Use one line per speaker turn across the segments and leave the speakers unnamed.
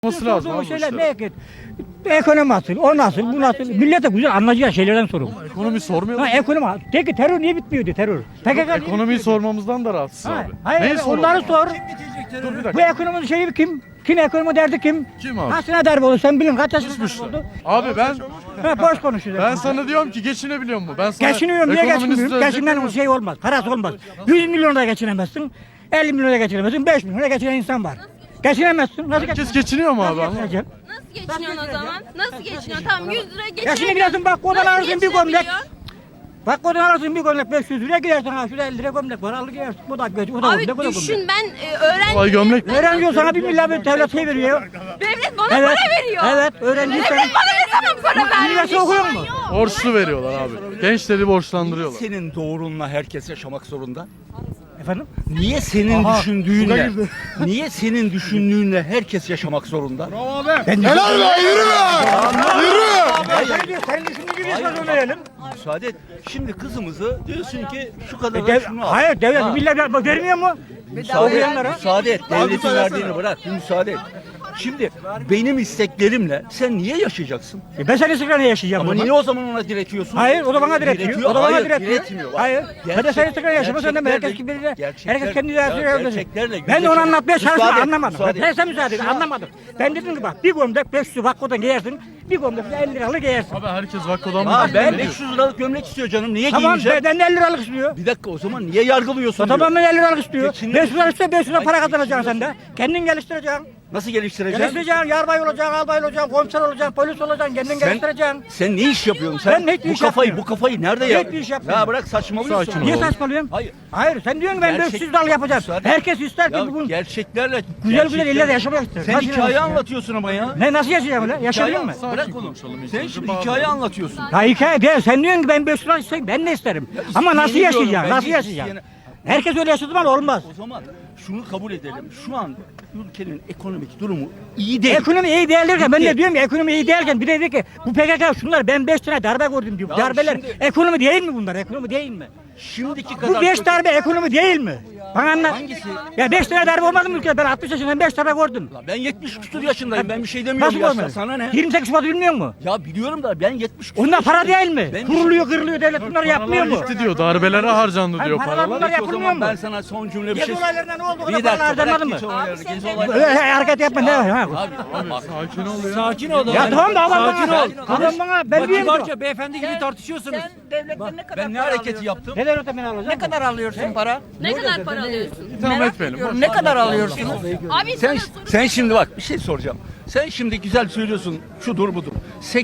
Olması lazım
Sorduğum
abi bu
şeyler
işler.
ne ki? Ekonomi nasıl, o nasıl, bu nasıl? Millete güzel anlayacağı şeylerden sorun.
Ekonomi sormuyor
Ha
musun?
ekonomi. Peki terör niye bitmiyordu terör? PKK niye
Ekonomiyi
bitmiyordu?
sormamızdan da rahatsız
Ha,
abi.
hayır,
Neyi
evet,
soralım
onları
abi?
sor.
Dur bir
Bu
dakika.
ekonominin şeyi kim? Kim ekonomi derdi kim?
Kim abi?
Kaçına darbe oldu sen bilin kaç yaşında darbe
Düşmüşler.
oldu?
Abi ben
Boş konuşuyorsun.
ben sana diyorum ki geçinebiliyor mu? Ben sana
Geçiniyorum niye
ekonominin
geçinmiyorum?
sözcükleri-
Geçinmenin şey olmaz, parası olmaz. 100 milyon da geçinemezsin, 50 milyon da geçinemezsin, 5 milyon da geçinen insan var. Geçinemezsin, nasıl
Herkes geçiniyor mu abi?
Nasıl
Anlamadım.
geçineceksin?
Nasıl geçiniyorsun o zaman? Nasıl geçiniyorsun? Tamam 100 lira
Ya şimdi
geçinemiyorsun.
gidersin bak oradan
Nasıl
alırsın bir gömlek.
geçinebiliyorsun?
Bak oradan alırsın bir gömlek 500 liraya gidersin ha şurada 50 lira gömlek var alır gidersin. Bu da gömlek, bu da
Abi
gömlek, bu da
düşün
gömlek.
ben
Vay
öğrenci.
gömlek.
Öğrenci sana 1 milyar bir devlet şey veriyor.
Devlet bana
Evet,
para veriyor.
evet, öğrenci
Devlet
sen-
bana ne zaman para verdi?
Üniversite okuyor mu?
Borçlu veriyorlar abi. Gençleri borçlandırıyorlar.
Senin doğrunla herkes yaşamak zorunda?
Efendim?
Niye senin
Aha,
düşündüğünle,
bu da girdi.
niye senin düşündüğünle herkes yaşamak zorunda?
Helal be yürü be! Yürü! Senin düşündüğün gibi yaşa söyleyelim.
Müsaade et. Şimdi kızımızı diyorsun ki şu kadar da şunu al.
Hayır devlet
Ha.
millet vermiyor mu? Okuyanlara.
Müsaade et. Devletin verdiğini bırak. Bir müsaade et. Şimdi benim isteklerimle sen niye yaşayacaksın?
Ben senin sıkıntı yaşayacağım.
Ama
o zaman.
niye o zaman ona diretiyorsun?
Hayır o da bana diretiyor. O da bana
Hayır,
diretiyor.
diretmiyor. Bak,
Hayır. Ben de senin sıkıntı yaşamak zorundayım. Herkes
gerçeklerle-
gibi herkes
gerçekler-
kendi
ya
dersini öğrenecek.
gerçeklerle
Ben de onu
yüzleşin.
anlatmaya çalıştım
Müsaade et,
anlamadım.
müsaade et.
Ben sen müsaade et anlamadım. Ben dedim ki bak bir gömlek 500 vakkodan giyersin. Bir gömlek de 50 liralık giyersin.
Abi herkes vakkodan
Ha,
mı?
ben 500 liralık gömlek istiyor canım. Niye
Tamam
giymeyeceğim?
benden 50 liralık istiyor.
Bir dakika o zaman niye yargılıyorsun?
Tamam
diyor.
ben 50 liralık istiyor.
Geçinmek
500 lira istiyor 500 lira para
Hayır,
kazanacaksın sen de. Kendin geliştireceksin.
Nasıl geliştireceksin?
Geliştireceksin, yarbay olacaksın, albay olacaksın, komiser olacaksın, polis olacaksın, kendin geliştireceksin.
Sen ne iş yapıyorsun? Sen
Ben hiçbir
bu
iş
kafayı
yapmıyorum.
bu kafayı nerede ya?
Hiçbir iş yapmıyorum.
Ya bırak saçmalıyorsun.
Sakin ol.
Niye
Oğlum.
saçmalıyorsun?
Hayır.
Hayır sen diyorsun ki ben
Gerçek-
500 liralık yapacağım.
Müsaade-
Herkes ister ki
Ya
bugün
gerçeklerle
güzel güzel illerde yaşamak ister.
Sen
Nasıl
hikaye
yaşayacağım?
anlatıyorsun ama ya.
Ne nasıl yaşayacağım öyle? Yaşayayım mı?
Bırak onu.
konuşalım ilk
Sen
önce.
şimdi
Bağlı.
hikaye anlatıyorsun.
Ya hikaye değil. Sen diyorsun ki ben 500 lira isteyeyim. Ben de isterim. Ama nasıl
isteyeni diyorum,
yaşayacağım?
ben
Nasıl
de
yaşayacağım?
isteyeni-
Herkes öyle yaşadığı zaman olmaz.
O zaman şunu kabul edelim. Şu an ülkenin ekonomik durumu iyi değil.
Ekonomi iyi değildirken ben de
Bitti.
diyorum ki ekonomi iyi değilken bir de dedi ki bu PKK şunlar ben 5 tane darbe gördüm diyor.
Ya
Darbeler
şimdi-
ekonomi değil mi bunlar? Ekonomi değil mi?
Şimdiki kadar
Bu 5
çok-
darbe ekonomi değil mi? Bana anlat.
Hangisi?
Ya 5 tane darbe olmadı mı ülkede? Ben 60 yaşındayım 5 darbe gördüm.
Ben 70 küsur yaşındayım. Ben bir şey demiyorum
Nasıl
yaşta.
görmedin?
Sana ne?
28 Şubat bilmiyor musun?
Ya biliyorum da ben 70 küsur
Onlar para
yaşındayım.
değil mi?
Ben-
Kuruluyor, kırılıyor devlet bunları yapmıyor mu?
Gitti diyor. Darbelere harcandı
Hayır,
diyor
paralar
paralar.
bunlar
Peki o
yapılmıyor
zaman
mu?
ben sana son cümle bir
Gezi
şey...
olaylarında ne oldu? O
Bir
kadar
dakika
paralar
bırak
harcanmadı
geç
mı?
olayları. Gezi olayları.
Öyle hareket yapma ne? Ha.
Abi bak.
Sakin ol ya.
Sakin ol.
Ya tamam da adam
Sakin
bana.
ol.
Adam bana ben
Bak
diyeyim ki.
kibarca beyefendi gibi tartışıyorsunuz.
Devletten ne kadar
Ben ne
para
hareketi
alıyorsun?
yaptım?
Neden ötemeni alacağım?
Ne kadar alıyorsun para?
Ne kadar para alıyorsun?
İtham etmeyelim.
Diyorum, ne kadar alıyorsunuz?
Abi
Sen,
sana
sen şimdi bak bir şey soracağım. Sen şimdi güzel söylüyorsun şudur budur.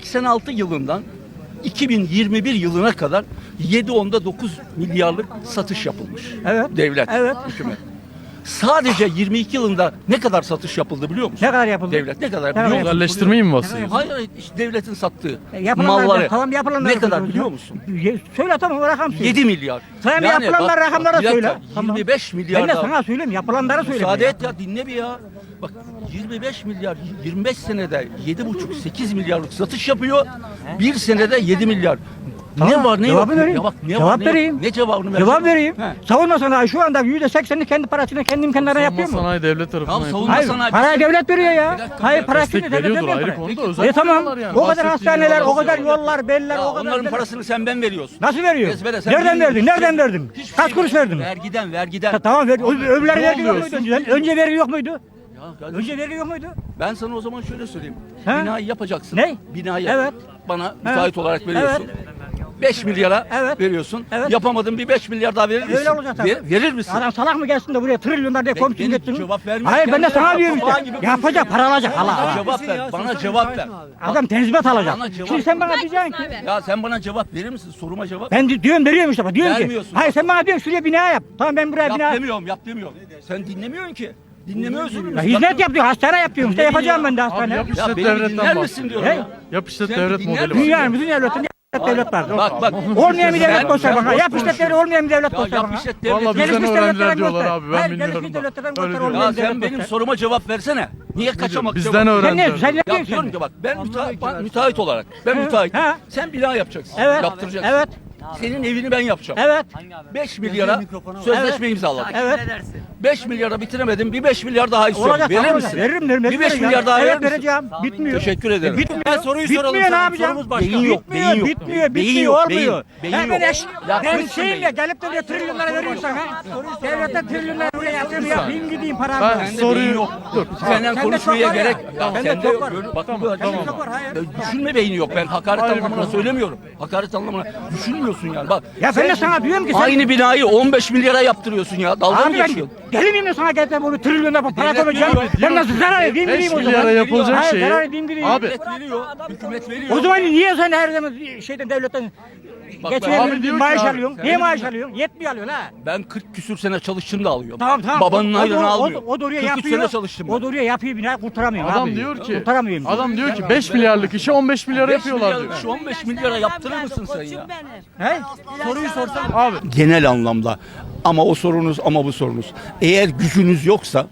86 yılından 2021 yılına kadar 7.9 milyarlık satış yapılmış.
Evet.
Devlet,
Evet.
hükümet. Sadece 22 yılında ne kadar satış yapıldı biliyor musun?
Ne kadar yapıldı?
Devlet ne kadar
kadar
biliyor musun?
Özelleştirmeyi mi basıyor?
Hayır hayır, işte devletin sattığı
Yapılanlar,
malları
tamam yapılanlar.
ne kadar biliyor musun?
Söyle tamam o rakam söyle.
7 milyar.
Sen yapılanlar rakamlara
bir dakika,
söyle. Tamam.
25 milyar
Ben de
daha-
sana söyleyeyim yapılanları söyle.
Müsaade et ya dinle bir ya. Bak 25 milyar 25 senede 7,5-8 milyarlık satış yapıyor. Bir senede 7 milyar.
Tamam,
Ne var ne
cevabı
yok?
vereyim.
Ya bak, ne
Cevap
var, ne yok?
vereyim.
Ne cevabını ver?
Cevap vereyim.
He.
Savunma sanayi şu anda %80'ini kendi parasını kendi imkanlarına yapıyor
Savunma
mu?
sanayi devlet tarafından
Tamam,
yapılıyor.
savunma
Hayır,
sanayi-
parayı devlet veriyor ya.
Bir dakika,
Hayır, para
destek
şimdi devlet
veriyordur,
vermiyor
ayrı
parayı.
konuda, özel
tamam.
veriyorlar yani.
O kadar
Bahsettiğin
hastaneler,
yerler
o kadar
oluyor.
yollar, beller,
Ya
o kadar.
onların
şeyler.
parasını sen ben veriyorsun.
Nasıl veriyor?
Ezbere, sen
Nereden
bilmiyorsun.
verdin? Nereden verdin?
Hiçbir
Kaç
şey
kuruş
yok.
verdin?
Vergiden.
Ha, tamam verdi. Öbürler vergi yok
oluyorsun?
muydu önceden? Önce vergi yok muydu?
Ya kardeşim,
Önce vergi yok muydu?
ben sana o zaman şöyle söyleyeyim.
He?
Binayı yapacaksın.
Ne?
Binayı
Evet.
bana müteahhit olarak veriyorsun.
Evet.
5 milyara
Evet.
veriyorsun.
Evet.
Yapamadın bir 5 milyar daha verir misin?
Öyle olacak tabii.
Verir misin?
Adam salak mı gelsin de buraya trilyonlar diye komisyon
benim
getirin.
cevap vermiyor
Hayır
ki
ben de
ya.
sana diyorum
Papağan
işte.
gibi
Yapacak para alacak hala.
Bana cevap ver. Bana cevap ver.
Adam tenzimat alacak.
Bana cevap
Şimdi sen bana
Kaç
diyeceksin
mısın
ki.
abi?
Ya sen bana cevap verir misin? Soruma cevap.
Ben diyorum veriyorum işte. Diyorum ki.
Vermiyorsun.
Hayır sen bana diyorsun şuraya bina yap. Tamam ben buraya
Yap
bina yap.
demiyorum, yap demiyorum. Sen dinlemiyorsun ki. Dinlemiyorsun.
Ya hizmet yap diyor. Hastane yap diyorum. İşte yapacağım ben de
Abi
hastane.
yap
Ya
işlet
beni
devletten
dinler misin
bahsediyor.
diyorum
He?
ya.
Yap işlet
Sen
devlet
dinler
modeli
misin?
var.
Dünyanın bütün devletinde devlet var.
Bak.
Olmayan bir devlet
Sen-
göster
sen
bana.
boş
Yap işlet devlet
konuşuyorsun.
olmayan bir devlet
Ya
göster
yap
bana.
işlet
Vallahi
devlet.
bizden
Gelişmiş
öğrenciler
devletlerden
diyorlar
göster.
abi, ben
Hayır,
bilmiyorum
gelişmiş
da.
devletlerden
Öyle
göster
diyorlar.
olmayan
Ya sen
devlet
benim
göster.
soruma cevap versene. Niye kaçamak
Bizden
cevap-
Sen ne?
öğrenciler.
Sen ne
Ya
diyorsun?
diyorum ki bak ben müteahhit olarak ben
He,
müteahhit.
he.
Sen bina yapacaksın.
Evet.
Yaptıracaksın.
Evet.
Senin evini ben yapacağım.
Evet.
5 milyara sözleşme imzaladım.
Evet.
5 milyara bitiremedim. Bir 5 milyar daha istiyorum.
Olacak.
Verir
tamam,
misin?
Veririm.
Bir 5 milyar daha verir
evet,
misin?
vereceğim. Bitmiyor.
Teşekkür ederim.
Bitmiyor.
soruyu
Bitmiyor,
soralım
ne
sana.
yapacağım?
Sorumuz başka.
Beyin yok, beyin yok.
Bitmiyor.
Beyin yok,
Olmuyor.
beyin
Hemen
yok.
eş.
Ya
Ben
kırsın
şeyimle
beyin.
gelip de trilyonlara veriyorsan ha. Devlete trilyonlara buraya yatırım yapayım gideyim paramı.
Ben
Sende beyin
soruyu
yok.
dur.
Senden
Sende
konuşmaya
çok var ya.
gerek.
Sende
Sende
çok var.
bak
Tamam,
böyle.
tamam.
Çok var, hayır.
Ya düşünme beyni yok. Ben hakaret
Ayrı bir
anlamına
konu.
söylemiyorum. Hakaret anlamına düşünmüyorsun yani. Bak.
Ya ben de sana diyorum ki sen...
Aynı binayı 15 milyara yaptırıyorsun ya. Dalga mı
Abi ben
geçiyorsun?
deli miyim de sana gelip de bunu trilyonla para
Devlet
koyacağım.
veriyor,
Ben nasıl zarar edeyim
5
gireyim o zaman.
milyara yapılacak
Hayır,
şeyi.
zarar edeyim gireyim.
Abi
Veriyor. Hükümet veriyor.
O zaman niye sen her zaman şeyden devletten
Bak,
abi
geçinelim
diyor ki
maaş
abi,
alıyorsun? Niye maaş alıyorsun? Yetmiyor alıyorsun ha.
Ben 40 küsür sene çalıştım da alıyorum.
Tamam.
Babanın
O-
aylığını
o-
almıyorum.
O da oraya
43
yapıyor.
sene çalıştım
O
ben.
da oraya yapıyor bina kurtaramıyorum
adam
abi.
diyor ki
Kurtaramıyorum.
adam diyor ki 5 milyarlık işi 15 milyara
5
yapıyorlar
milyar,
diyor.
şu 15 milyara yaptırır mısın sen ya?
He?
Soruyu sorsan.
Abi
Genel anlamda ama o sorunuz ama bu sorunuz. Eğer gücünüz yoksa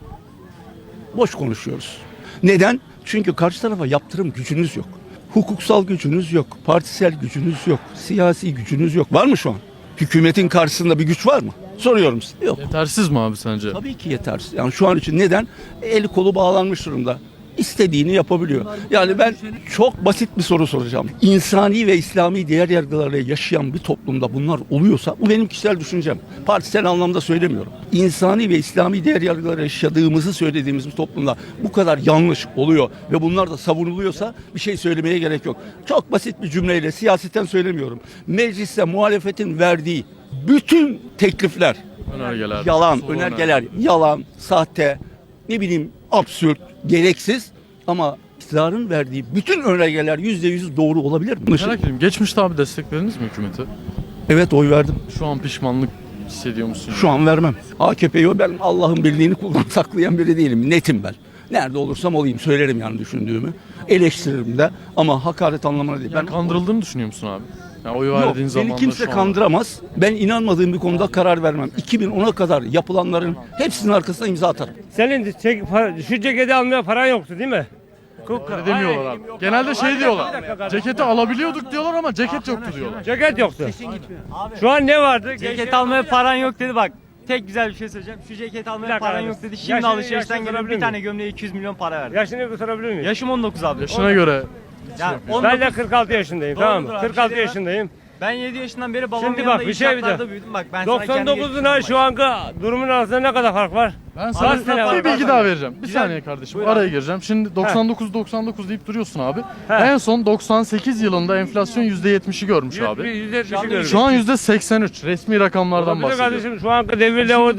boş konuşuyoruz. Neden? Çünkü karşı tarafa yaptırım gücünüz yok. Hukuksal gücünüz yok. Partisel gücünüz yok. Siyasi gücünüz yok. Var mı şu an? Hükümetin karşısında bir güç var mı? Soruyorum size. Yok.
yetersiz mi abi sence?
Tabii ki yetersiz. Yani şu an için neden? Eli kolu bağlanmış durumda. İstediğini yapabiliyor. Yani ben çok basit bir soru soracağım. İnsani ve İslami değer yargılarıyla yaşayan bir toplumda bunlar oluyorsa, bu benim kişisel düşüncem. Partisel anlamda söylemiyorum. İnsani ve İslami değer yargılarıyla yaşadığımızı söylediğimiz bir toplumda bu kadar yanlış oluyor ve bunlar da savunuluyorsa bir şey söylemeye gerek yok. Çok basit bir cümleyle siyaseten söylemiyorum. Mecliste muhalefetin verdiği bütün teklifler
Önergeler.
yalan,
soru
önergeler yalan, sahte, ne bileyim absürt, gereksiz ama iktidarın verdiği bütün önergeler %100 doğru olabilir mi?
Merak ediyorum. Geçmişte abi desteklediniz mi hükümeti?
Evet, oy verdim.
Şu an pişmanlık hissediyor musun?
Şu an vermem. AKP'yi ben Allah'ın birliğini kullanıp saklayan biri değilim. Netim ben. Nerede olursam olayım söylerim yani düşündüğümü. Eleştiririm de ama hakaret anlamına değil.
Ben kandırıldığını düşünüyor musun abi? Yani oy
Yok,
verdiğin zaman
beni kimse kandıramaz. Ben inanmadığım bir konuda karar vermem. 2010'a kadar yapılanların hepsinin arkasına imza atarım.
Senin şu ceketi almaya paran yoktu değil mi?
Öyle demiyorlar abi. Genelde şey diyorlar. Ceketi alabiliyorduk diyorlar ama ceket yoktu diyorlar.
Ceket yoktu. Şu an ne vardı?
Ceket almaya paran yok dedi bak. Tek güzel bir şey söyleyeceğim. Şu ceket almaya paran yok dedi. Şimdi
Yaşını
alışverişten geliyor
sorabilir
bir tane
miyim?
gömleğe 200 milyon para verdi.
Yaşını sorabilir miyim?
Yaşım 19 abi.
Yaşına göre
Yani
Ben
19
de 46 yaşındayım, tamam mı?
Doğrudur abi,
46
bir şey
yaşındayım.
ben 7 yaşından beri babamın
Şimdi
yanında
bak, bir şey bir de.
inşaatlarda büyüdüm. Bak ben sana kendi
99'una şu anki durumun arasında ne kadar fark var?
ben
Kaç
sana
sene var?
bir bilgi daha vereceğim. Bir
Güzel.
saniye kardeşim.
Buyur
Araya
abi.
gireceğim. Şimdi 99 deyip duruyorsun abi.
He.
En son 98 yılında enflasyon %70'i görmüş abi.
%70'i görüyoruz.
Şu an %83. Resmi rakamlardan
Olabilir
bahsediyorum.
kardeşim, şu anki devirde o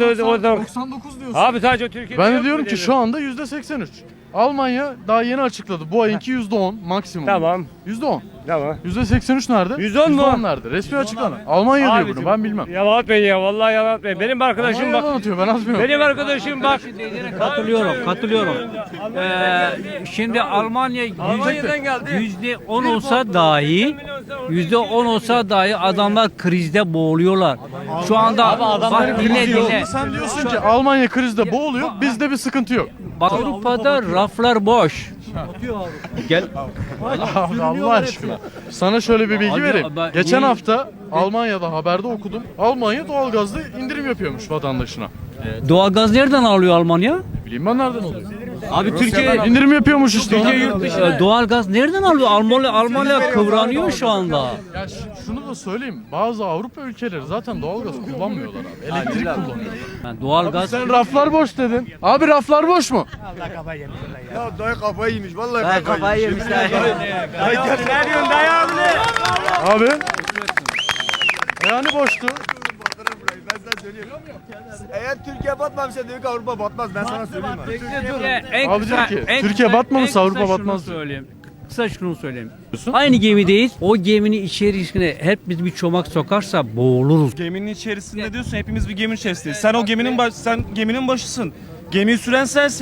99 diyorsun.
Abi sadece Türkiye'de
Ben de
yok
diyorum
bu
ki
devir.
şu anda %83. Almanya daha yeni açıkladı. Bu ayınki %10 maksimum.
Tamam.
%10.
Tamam.
%83 nerede?
%10 mu?
%10 nerede? Resmi açıklama. Almanya diyor
Abicim,
bunu ben bilmem.
Yalan atmayın ya, vallahi yalan atmayın. Benim arkadaşım
Almanya
bak.
yalan atıyor ben atmıyorum.
Benim arkadaşım bak.
Katılıyorum. Şimdi Almanya
Almanya'dan geldi.
%10 olsa dahi adamlar krizde boğuluyorlar. Şu anda bak dinle.
Sen diyorsun ki Almanya krizde boğuluyor, bizde bir sıkıntı yok.
Bak Avrupa'da raflar boş.
Abi Allah aşkına. Sana şöyle bir bilgi
Abi,
vereyim.
ben-
Geçen
niye-
hafta Almanya'da haberde okudum. Almanya doğalgazda indirim yapıyormuş vatandaşına.
Doğalgaz nereden alıyor Almanya?
Bileyim ben nereden oluyor?
Abi Türkiye
İndirim yapıyormuş işte.
doğalgaz nereden alıyor? Almanya kıvranıyor şu anda.
Ya şunu da söyleyeyim. Bazı Avrupa ülkeleri zaten doğalgaz kullanmıyorlar abi. Elektrik kullanıyor.
Yani doğalgaz
Sen raflar boş dedin. Abi raflar boş mu?
kafayı yemişler.
Abi. Yani boştu.
Eğer Türkiye batmamışsa diyor ki Avrupa batmaz. Ben sana söyleyeyim abi.
Abi diyor ki, Türkiye batmamışsa Avrupa batmaz diyor.
Söyleyeyim. Kısa şunu söyleyeyim. Aynı gemideyiz. O geminin içerisine hep biz bir çomak sokarsa boğuluruz.
Geminin içerisinde diyorsun, hepimiz bir geminin içerisindeyiz. Sen o geminin sen geminin başısın. Gemiyi süren sensin.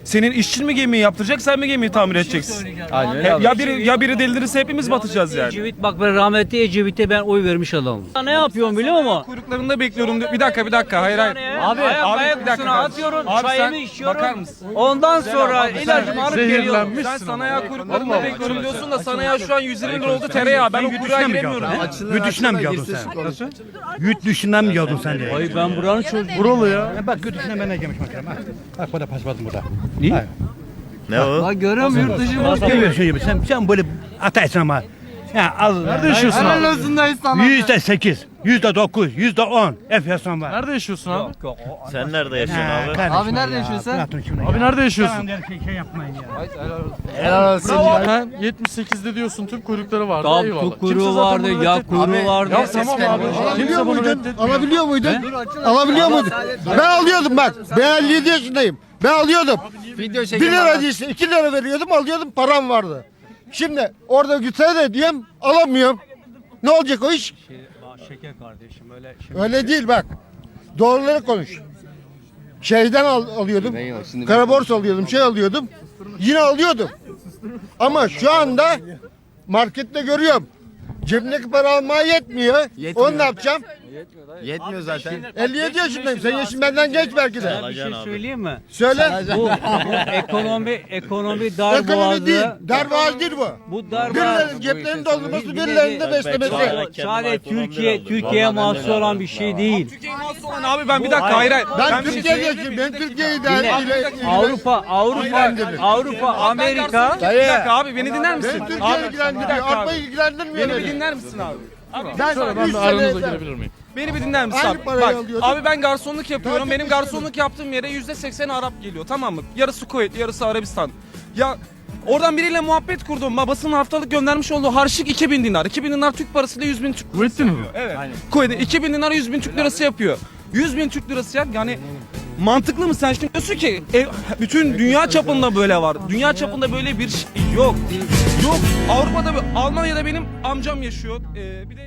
Senin işçin mi gemiyi yaptıracak, sen mi gemiyi tamir edeceksin? Ya biri delirirse hepimiz batacağız yani.
Ecevit bak ben rahmetli Ecevit'e ben oy vermiş adamım. Ne yapıyorum biliyor musun?
Kuyruklarında bekliyorum diyor. Bir dakika. Hayır.
Abi
bir dakika.
atıyorum,
Abi
çayımı
sen
içiyorum.
bakar mısın?
Ondan sonra ilacımı alıp geliyorum.
Zehirlenmişsin
Sen sana
ama.
ya kuyruklarında bekliyorum diyorsun da sana ya şu an 120 lira oldu tereyağı. Ben o kuyruğa giremiyorum.
Yurt dışından mı geldin sen? Nasıl? Yurt dışından mı geldin sen de?
Ay ben buranın çocuğu.
Buralı ya.
Bak yurt dışından ben de gelmiş bakalım. Bak burada paspasım burada.
Ne?
Ne o?
Bak görüyor musun yurt dışı var.
Görüyorsun gibi sen böyle ataysın ama. Ya al.
Nerede yaşıyorsun abi?
%8, %9, %10 enflasyon var.
Nerede yaşıyorsun abi?
Sen nerede yaşıyorsun abi? Abi nerede yaşıyorsun?
Abi nerede yaşıyorsun?
Şey yapmayın ya.
Helal olsun. Sen 78'de diyorsun tüm kuyrukları vardı.
Tam
Eyvallah.
kuyruğu
Kimse zaten
vardı,
bunu
ya
reddetmiyor.
kuyruğu vardı.
Ya tamam abi. Kimse bunu reddetmiyor.
Alabiliyor muydun? Alabiliyor muydun? Ben alıyordum bak. Ben 57 yaşındayım. Ben alıyordum. 1 lira değilse 2 lira veriyordum, alıyordum, param vardı. Şimdi orada gitsene diyeyim, alamıyorum. Ne olacak o iş?
Şeker kardeşim öyle.
Öyle değil bak. Doğruları konuş. Şeyden alıyordum. Kara borsa alıyordum, şey alıyordum. Yine alıyordum. Ama şu anda markette görüyorum. Cebimdeki para almaya yetmiyor. Onu ne yapacağım?
Yetmiyor zaten.
57 yaşındayım. Senin yaşın benden genç belki de.
Bir şey söyleyeyim mi?
Söyle.
Bu ekonomi
Ekonomi
darboğazı.
değil. Darboğaz değil bu.
Bu darboğaz.
Birilerinin ceplerini doldurması, birilerinin de beslemesi.
Sadece Türkiye'ye mahsus olan bir şey değil.
Türkiye'ye mahsus olan abi ben bir dakika hayır.
Ben
bir şey
Türkiye'de
söyleyeyim.
yaşıyorum. Ben Türkiye'yi de
Avrupa, Amerika.
Bir dakika abi beni dinler misin?
Ben Türkiye'yi ilgilendiriyor. Avrupa'yı ilgilendirmiyor.
Beni bir dinler misin abi?
Ben
Şöyle ben
3
de aranıza
sene
girebilir miyim?
Beni bir dinler misin
Aynı
abi?
parayı
Bak
alıyordum.
abi ben garsonluk yapıyorum.
Takip
Benim garsonluk yaptığım yere %80 Arap geliyor tamam mı? Yarısı Kuveyt, yarısı Arabistan. Ya oradan biriyle muhabbet kurdum. Babasının haftalık göndermiş olduğu harçlık 2000 dinar. 2000 dinar Türk parasıyla 100 bin Türk
Kuvvetli mi?
Evet. Kuveyt'e 2000 dinar 100 bin Türk lirası yapıyor. 100 bin Türk lirası yani mantıklı mı sen şimdi diyorsun ki bütün dünya çapında böyle var. Dünya çapında böyle bir şey yok. Yok. Avrupa'da Almanya'da benim amcam yaşıyor. Bir de